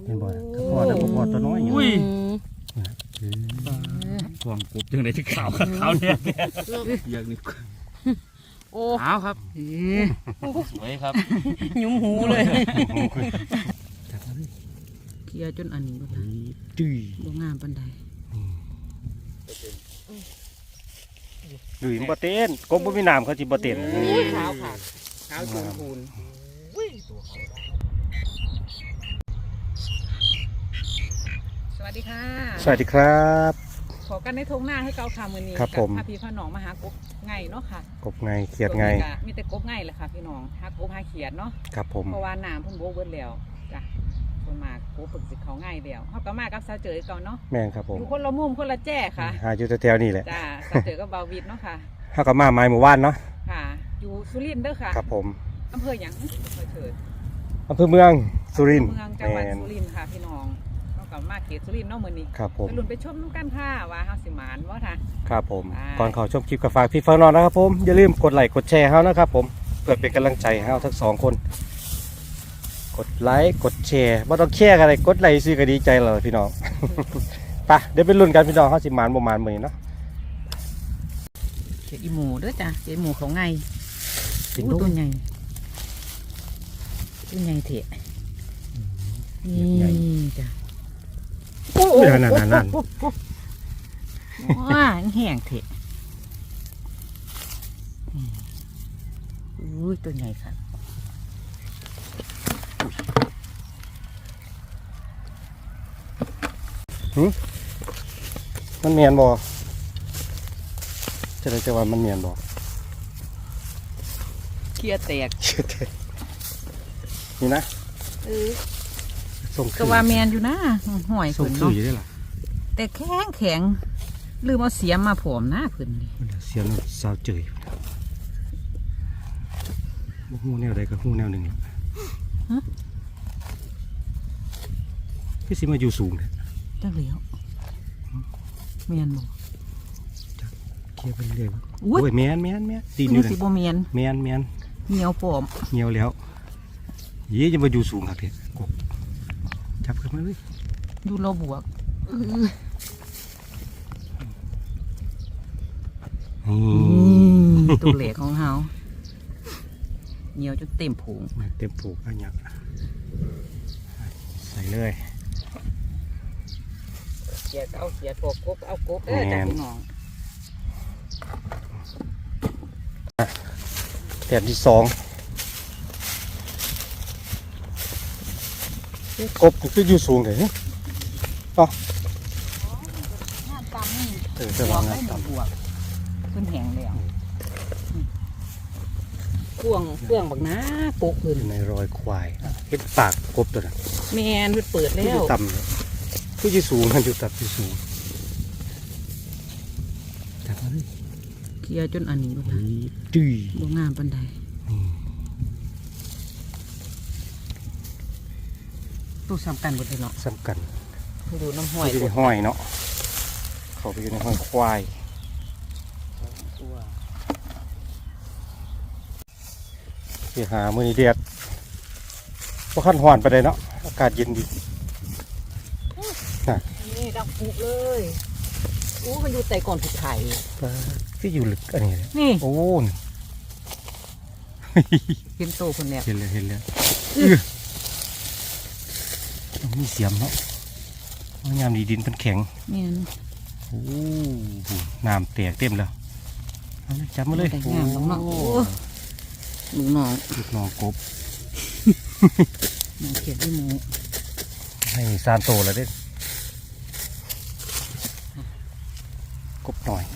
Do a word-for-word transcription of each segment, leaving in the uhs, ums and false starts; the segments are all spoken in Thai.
เป็นบ่อยกระพอแต่กระพอตัวน้อยอยู่อุ้ยห่วงกบจังไดที่ขาวขาวเนี่ยอย่างนี้โอ้ขาวครับสวยครับยุ่มหูเลยเคี่ยจนอันนี้ก็ได้จุ้ยบ่งามปานใดดุยบ่เต้นกบบ่มีน้ำเขาจิบ่เต้นขาวค่ะขาวจูนพูนสวัสดีค่ะสวัสดีครับขอกันในทงหน้าให้เกาคามือนี้ครับผมพาพี่พ่อน้องมาหากบไงเนาะค่ะกบไงเขียดไงมีแต่กบไงแหละค่ะพี่น้องหากบหาเขียดเนาะครับผมเพราะว่าน้ำเพิ่นโบเบิดแล้วจ้ะคนมากบฝึกสิเขาง่ายเดียวเขาก็มากับสาวเจอก่อนเนาะแม่นครับผมอยู่คนละมุมคนละแจ้ค่ะหาอยู่แถวๆนี่แหละจ้าสาวเจอกับเบาวิดเนาะค่ะเขาก็มาไม้หมู่บ้านเนาะค่ะอยู่สุรินทร์เด้อค่ะครับผมอำเภอหยังอำเภอเถิดอำเภอเมืองสุรินทร์เมืองจังหวัดสุรินทร์ค่ะพี่น้องเรากับมาเขตสุรินทร์เนาะมื้อนี้ครับผมไปลุ้นไปชมน้ำกันค่ะว่าเฮาสิหมานบ่ท่ะครับผมก่อนเข้าชมคลิปก็ฝากพี่ฟังน้องนะครับผมอย่าลืมกดไลค์กดแชร์เฮานะครับผมเพื่อเป็นกำลังใจให้เฮาทั้งสองคนกดไลค์กดแชร์ไม่ต้องแชร์กันเลยกดไลค์ซื้อก็ดีใจเลยพี่น้อง ไปเดี๋ยวไปลุ้นกันพี่น้องเขาสิหมานบ่หมานมื้อนี้เนาะเขียดอีหมูเด้อจ้ะเขียดหมูเขาไงตัวใหญ่ตัวใหญ่เถอะนี่จ้ะโอ้ยนั่นนั่นนั่นว้าแห้งเถอะอุ้ยตัวใหญ่ค่ะมันเมียนบ่จะได้จะว่ามันเมียนบ่เคี้ยแตกนี่นะเออก็ว่าเมียนอยู่นะห่วยส่งซื้ออยู่ได้หรอแต่แข็งแข็งลืมเอาเสียมมาผมหน้าเพิ่นดิเสียมสาวเจยหูแนวใดก็หูแนวหนึ่งพี่สิมาอยู่สูงเลยจังเหลียวเมียนบ่เคี้ยวไปเรื่อยโอ้ยเมียนเมียนเมียนดีอยู่สิบ่เมียนเมียนเมียนเหนียวปอมเหนียวแล้วยี่จะมาอยู่สูงครับเด็กกบจับขึ้นมาเลยอยู่เราบวกตัวเหล็กของเฮาเหนียวจนเต็มผงเต็มผูกอันนี้ใส่เลยเสียเอาเสียกบกบเอากบเด้อจ้ะพี่น้องแถบที่สองกบคืออยู่สูงเลยอ๋อเออจะวางงานต่ำบวกขึ้นแหงแล้วพ่วงเพื่องบักนะปกขึ้นในรอยควายเห็นปากกบตัวนั้นแมนเปิดแล้วต่ำเลยคืออยู่สูงมันอยู่ต่ำอยู่สูงจับมาเลยเคี่ยจนอันนี้ก็ได้จุ้ยบ่งามปานใดตู้สำคัญหมดเลยเนาะสำคัญไปดูน้ำห้อยอยู่ในห้อยเนาะเขาไปอยู่ในห้อยควายไปหามือนี้เดียดว่าขั้นหวานไปเลยเนาะอากาศเย็นดีนี่ดังปุกเลยอู้มันอยู่แต่ก่อนผิดไข่ที่อยู่ลึกอันนี้นี่โอ้เห็นโตคนแล้วเห็นเลยเห็นเลยมีเสียมเนาะงามดีดินเป็นแข็งนี่โอ้น้ำแตกเต็มแล้วจับมาเลยงามน้องลูกน้องลูกน้องกบน้องเขียดด้วยหมูให้ซานโตแล้วเด้กบหน่อย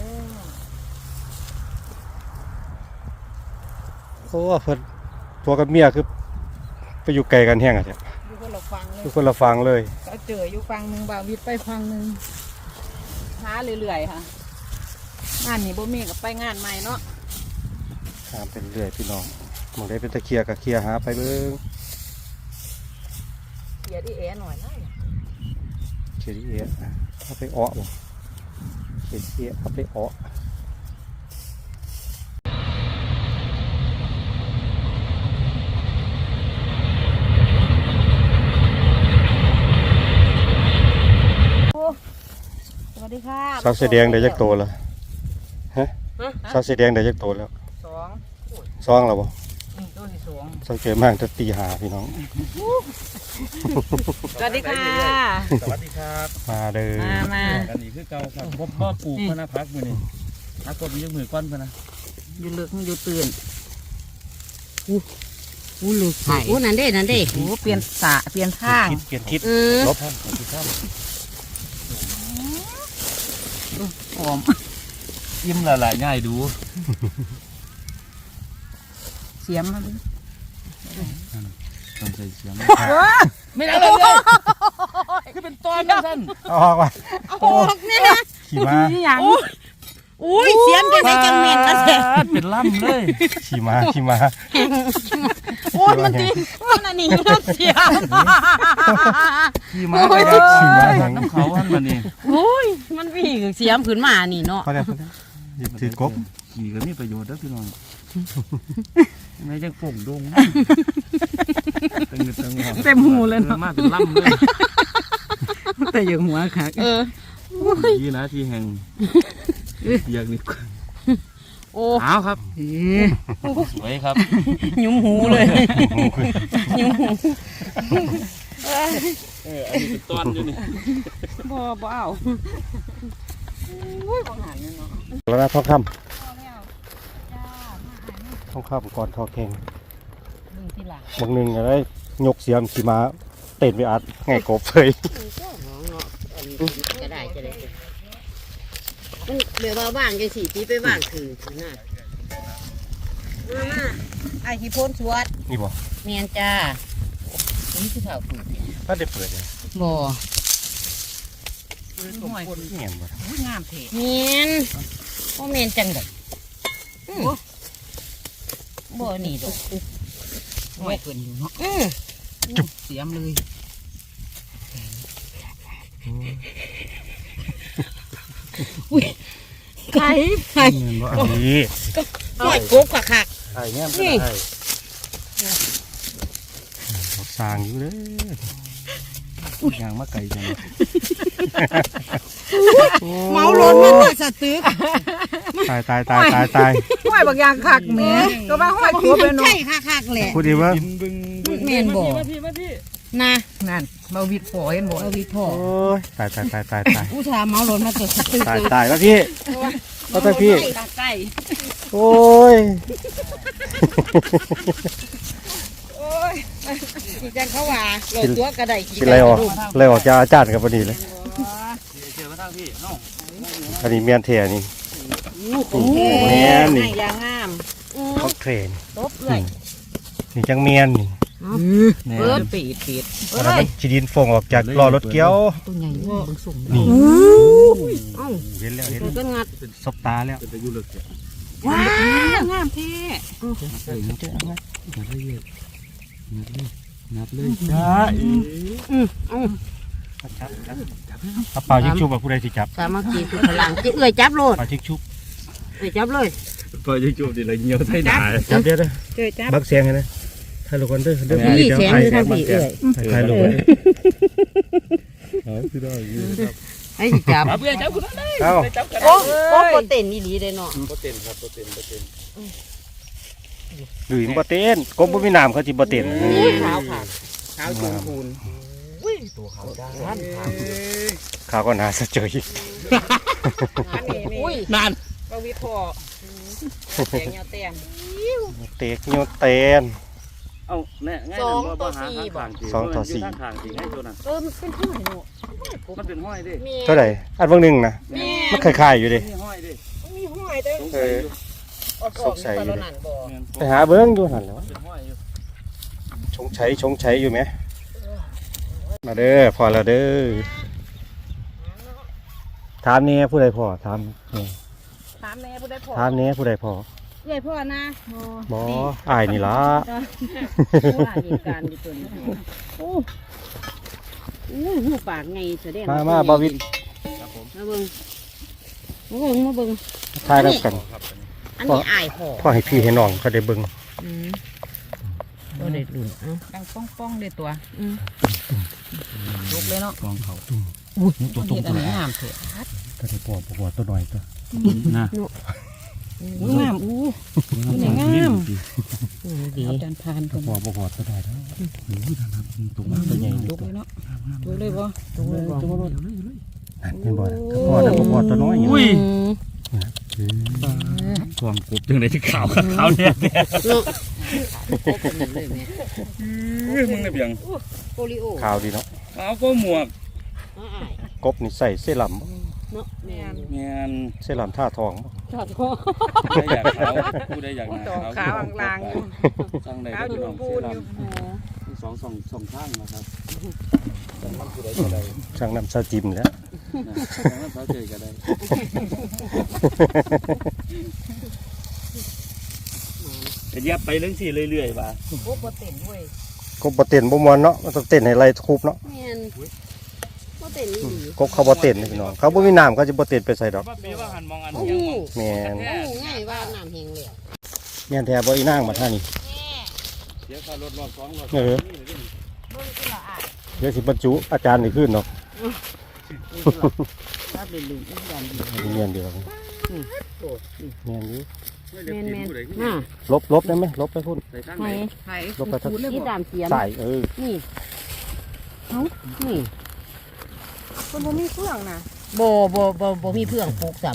โอ้เพิ่นตัวกับเมียคือไปอยู่ไกลกันแห้งอ่ะเนี่ยอยู่คนละฟังเลยอยู่คนละฟังเลยก็เจออยู่ฟังหนึ่งบ่าววิทย์ไปฟังหนึ่งหาเรื่อยๆค่ะงานนี้บ่มีกับไปงานใหม่เนาะตามเป็นเรื่อยพี่น้องมองได้เป็นตะเคียกับเคียหาไปเบิ้งเคียที่แอหน่อยนะเคียที่แอเอาไปอ้อบ่เคียที่แอเอาไปอ้อค่ะสาวเสียแดงได้จักโตแล้วฮะสาวเสียแดงได้จักโตแล้วสองซองแล้วบ่อืมตัวที่สองสังเกตมากจะตีหาพี่น้องสวัสดีค่ะสวัสดีครับมาเด้อมามาอันนี้คือเก่าครับพ่อพ่อปลูกพนะพักมือนี่พักก็มียกมือก้อนพนะอยู่ลึกอยู่ตื่นอู้ลึกไผ่อู้นั่นเด้นั่นเด้โอ้เปลี่ยนสระเปลี่ยนทางทิศเปลี่ยนทิศเออลบท่านขอบคุณครับหอมยิ้มละละง่ายดูเสียมมาดิต้องใส่เสียงไม่ได้เลยคือเป็นตอนนะท่านเอาออกว่ะออกเนี่ยนะขี่ม้านี่อย่างอุ้ยเสียมจังไดจังเหม็นนะแท้เป็นล่ำเลยขี่ม้าขี่ม้าโอ้ยมันตีมันอันนี้น่าเสียมขี่ม้าไปรับขี่ม้าทางน้ำเขาท่านมานี่โอ้ยมันวิ่งเสียมขึ้นมานี่เนาะพอแล้วพอแล้วหยิบถือกบขี่ก็มีประโยชน์นะพี่น้องไม่จังป่งดงตึงตึงเต็มหูเลยเนาะมากเป็นล่ำเลยแต่อยู่หัวค่ะเออยี่นะที่แห่งอยากนี่โอ้เอาครับสวยครับยุ้มหูเลยยุ้มหูเอออันนี้เป็นตอนอยู่นี่บ่บ่เอาแล้วนะทองคำทองคำก่อนทอแข่งดึงทีหลังบางหนึ่งอะไรยกเสียมขี่ม้าเต้นไปอัดไงกบเลยก็ได้จะได้มันเดี๋ยวมาว่างจังสี่ปีไปว่างคือคือหน้ามามาไอ้ขี้พ่นสวดนี่บ่เมียนจ้านี่คือเท่าฝืนถ้าได้เปิดเลยบ่ห่วยเงียบบ่อุ้ยงามเถะเมียนบ่เมียนจังไดอืมบ่นี่ดอกห่วยเกินอยู่เนาะอือเสียมเลยไข่ไข่เงียบบ่อันนี้หอยกบคักคักไอ้เนี่ยนี่เขาสร้างอยู่เลยยางมะไก่จังเมาล้นมันน่ะสะตึกตายตายตายตายตายห่วยบางอย่างคักแหม่ก็ว่าห่วยครบเลยเนาะใช่คักคักแหละพูดดีว่าบินบึงบึงเมียนบ่มาพี่มาพี่นะนั่นมาวิดฝอเห็นบ่เอาวิพ่อโอ้ยตายตายตายตายตายอุตส่าห์เมาล้นมาตัวสะตึกตายตายแล้วพี่แล้วแต่พี่ตาใกล้โอ้ยที่จังเขาว่าโหลดตัวกระไดกินอะไรออกอะไรออกจากอาจารย์กับพอดีเลยเชื่อมาทางพี่น้องอันนี้เมียนเทียนี่โอ้เมียนนี่ให้ยางงามเขาเทรนตบเลยนี่จังเมียนนี่แน่เปิดปีดปีดเปิดแล้วเลมัยนชีดินฟองออกจากล้อรถเกี้ยวตัวใหญ่เบิ่งสูงนี่เอ้าเห็นแล้วเห็นมันก็งัดซบตาแล้วเป็นตะยุลึกเนี่ยว้างามเท่ใส่เจอไหมนับเลยนับเลยนับเลยจ้าอืมอืมเอาเป่าชิกชุบแบบผู้ใดสิจับสามัคคีคือพลังจิเอ้ยจับโลดเป่าชิกชุบเอ้ยจับเลยพอจะจูบดิละเงี้ยวไทยด่าจับเดี๋ยวเด้อเอ้ยจับบักเสียงให้นะถ่ายรูปกันเด้อเด้อนี่เดี๋ยวเสียงถ่ายอยู่ทางพี่เอ้ยถ่ายรูปกันเอาคือได้ยืนครับให้สิจับจับเพื่อนจับคุณนั่นเลยเอ้าจับกันโอ้โอ้โปรเต้นนี่ดีเลยเนาะโปรเต็นครับโปรเต็นโปรเต็นหรือบ่เต้นกบบ่มีน้ำเขาสิบ่เต้นขาวค่ะขาวจูนพูนตัวเขาด้านข้าวก็น่าสะเจยอันนี้นี่อุ้ยนานมาวิดฝอแตงยาแตงเตกโยเต้นเอาแน่ง่ายนะบ่หาข้างข้างจริงสองต่อสี่ข้างข้างจริงให้ตัวนั้นเออมันเป็นห้อยเนาะมันเป็นห้อยดิมีเท่าไหร่อันเบิ่งหนึงนะแม่มันคล้ายๆอยู่ดิมีห้อยดิมีห้อยด้วยเออ สงสัยอยู่นั่นบ่ไปหาเบิ่งอยู่หั่นแหล้วเป็นห้อยอยู่ชงใช้ชงใช้อยู่ไหมมาเด้อพอแล้วเด้อถามนี่ผู้ใดพอถามนี่ถามแม่ผู้ได้พอถามนี่ผู้ใดพอเอ้ยพ่อนะบออ้ายนี่ล่ะผู้หลานเหตุการณ์อยู่ตัวนี้โอ้โอ้หูปากไงแสดงมามาบาวิดครับผมมาเบิ่งมาเบิ่งมาเบิ่งทายรับกันครับอันนี้อายห่อพ่อให้พี่ให้น้องเขาได้เบิ่งอืมบ่ได้ดุนเอ้าดังป้องป้องเลยตัวอืมลุกเลยเนาะกองเขาอุ้ยตัวตรงเห็ดอัตันวนี้งามเถอะตัวนี้ปอปอตัวหน่อยตัวนะอู้งามอู้งามดีเอาจานพานตัก่วอนปอปอตัวหน่อยแล้วโอ้ยนะครับตัวอืมาม ตัวใหญ่ดูเลยเนาะดูเลยบ่ตัวบ่นั่นเป็นบ่อปอแล้วปอตัวน้อยอย่างอุ้ยอืมความกบจังได๋ที่ขาวขาวเนี่ยเนาะโอ้เป็นเลยแม่มึงได้เพียงโปลิโอขาวดีเนาะขาวก็หมวกอ้ายกบนี่ใส่เสื้อลเนาะแม่นแม่นำเสื้อลำท่าทองบ่จอดคอได้อยากขาวผู้ใดอยากหน้าดอกขาวขาวลางๆอยู่สั่งได้ขาวก็อยู่น้องปูเสียนอยู่ลำสองสองสองข้างนะครับสั่งมันผู้ใดก็ได้ช่างน้ำซาจิมแล้วนะสั่งมันเขาเจอก็ได้จะยับไปเรื่องสี่เรื่อยๆป่ะโอ้บ่เต้นเว้ยกบบ่เต้นบ่ม่วนเนาะมันต้องเต้นให้ไหลคุบเนาะแม่นบ่เต้นนี่ดีกบเขาบ่เต้นนี่พี่น้องเขาบ่มีน้ำเขาจะบ่เต้นไปใส่ดอกว่าปีว่าหันมองอันโอ้ยังโหมองแม่นโอ้โหง่ายว่าน้ำแห้งแล้วแม่นแท้บ่อีนางมาท่านี่เสียค่ารถรอบสองรอบเออ เดี๋ยวสิบรรจุอาจารย์นี่ขึ้นเนาะถ้าเป็นลืมอีกอย่างดีเมียนเดียวกันเมียนอยู่แม่นแม่นน่ะลบลบได้ไหมลบไปพุ่นใส่ข้างไผไหนไผ่ลบไปทั้งปูนเลยที่บ่ดามเสียมใส่เออนี่เอ้านี่คนบ่มีเครื่องน่ะบ่บ่บ่บ่มีเพื่องปลูกสำ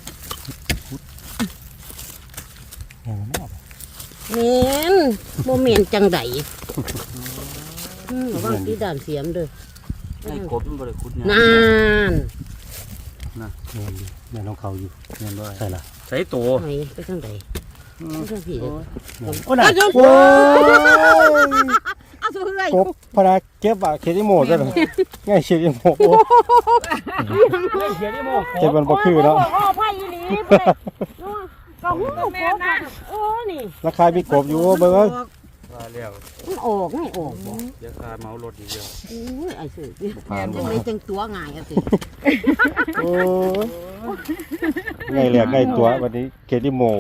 เห็นไหมแม่นบ่แม่นจังไดอืมระวังที่ดามเสียมเด้อไอ้กบมันบริคุดเนี่ยนานเมียนอยู่เมียนของเขาอยู่เงินด้วยใส่ละใส่ตัวไปไปทางใดไปทางพี่เด้อโอ้น่ะโอ้ยเอาสู้เอ้ยกบพนักเก็บอะเคดิโมซะเลยง่ายเคดิโมโอ้เขียนได้โมกเก็บมันบ่คือเนาะโอ้ไผอีหลีเพิ่นก็ฮู้โคตรโอ้นี่ราคามีกบอยู่เบิ่งว่าแล้วมันออกไม่ออกบ่เดี๋ยวค่าเมารถอีกเดียวอุ้ยไอ้สื่อผ่านจังไดจังตัวง่ายอ่ะสิโอ้ยง่ายเหลือง่ายตัววันนี้เคดิโม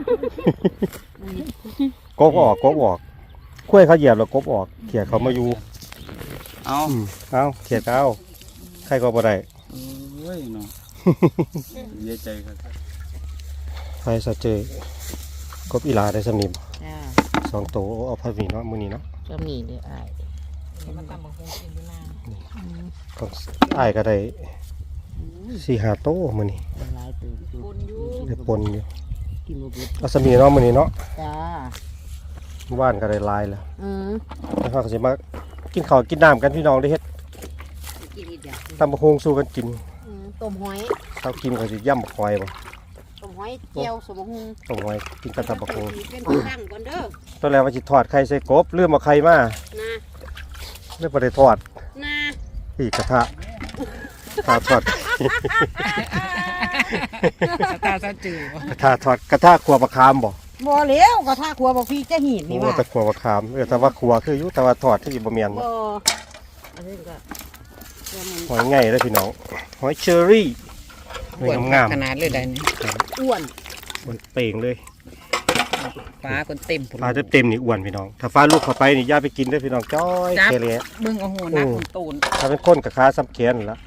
กบออกกบออกคุ้ยเขาเหยียบแล้วกบออกเขี่ยเขามาอยู่เอาอืมเอาเขียดเอาใครก็บ่ได้โอ้ยเนาะเสียใจครับใครสะเจยกบอีหลาได้สำนิมจ้าสองโตวเอาพัดหมีเนาะมื้อนี้เนาะก็มีเด้ออ้ายมันตำบักหุ่งกินอยู่นานของอ้ายก็ได้สี่ห้าโตวมื้อนี้หลายตื่นปูนอยู่ได้ปนอยู่กินบ่เบิดเอาสำนีเนาะมื้อนี้เนาะจ้าว่านก็ได้หลายแล้วอือแล้วเขาก็สิมากินข้าวกินน้ำกันพี่น้องได้เฮ็ดกินอีกอย่างตำบักฮงสู้กันกินอือต้มหอยเช้ากินก็สิย่ำบักหอยบ่ต้มหอยเจียวสมหุงต้มหอยกินกับตำบักฮงเป็นผู้ตั้งก่อนเด้อตอนแรกว่าสิทอดไข่ใส่กบลืมเอาไข่มานะเลยบ่ได้ทอดนะอีกกระทะกระทะทอดตาซะจืดบ่กระทะทอดกระทะขัวบักขามบ่บ่แล้วก็ถ้าครัวบ่พี่จะหีดโอ้นี่ว่าแต่ขัวบักขามเออแต่ว่าขัวคืออยู่แต่ว่าทอดที่บ่แม่นบ่บ่อันนี้ก็เดี๋ยวมันหอยง่ายเลยพี่น้องหอยเชอรี่หอยงามขนาดเลยได้นี่อ้วนๆมันเป่งเลยปลาคนเต็มพุ่นปลาเต็มๆนี่อ้วนพี่น้องถ้าฟ้าลูกเข้าไปนี่อย่าไปกินเด้อพี่น้องจ้อยจับแค่เลยเบิ่งเอาหัวหน้าคนตูนถ้าเป็นคนกับขาซ้ำแขนนั่นละ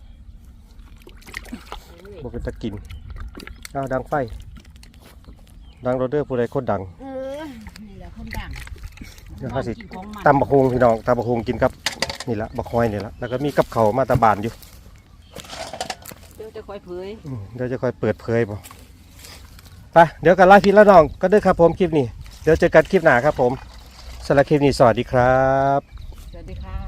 บ่เป็นตะกินเอาดังไฟดังโรเดอร์ผู้ใดคนดังเออนี่แหละคนดังเดี๋ยวเขาสิกินของมันตำบักฮุงพี่น้องตำบักฮุงกินกับนี่ละบักฮอยนี่ละแล้วก็มีกับเขาวมาตาบานอยู่เดี๋ยวจะค่อยเผยอืมเดี๋ยวจะค่อยเปิดเผยบ่ไปเดี๋ยวกันไล่พี่แล้วน้องก็เด้อครับผมคลิปนี้เดี๋ยวเจอกันคลิปหน้าครับผมสำหรับคลิปนี้สวัสดีครับสวัสดีค่ะ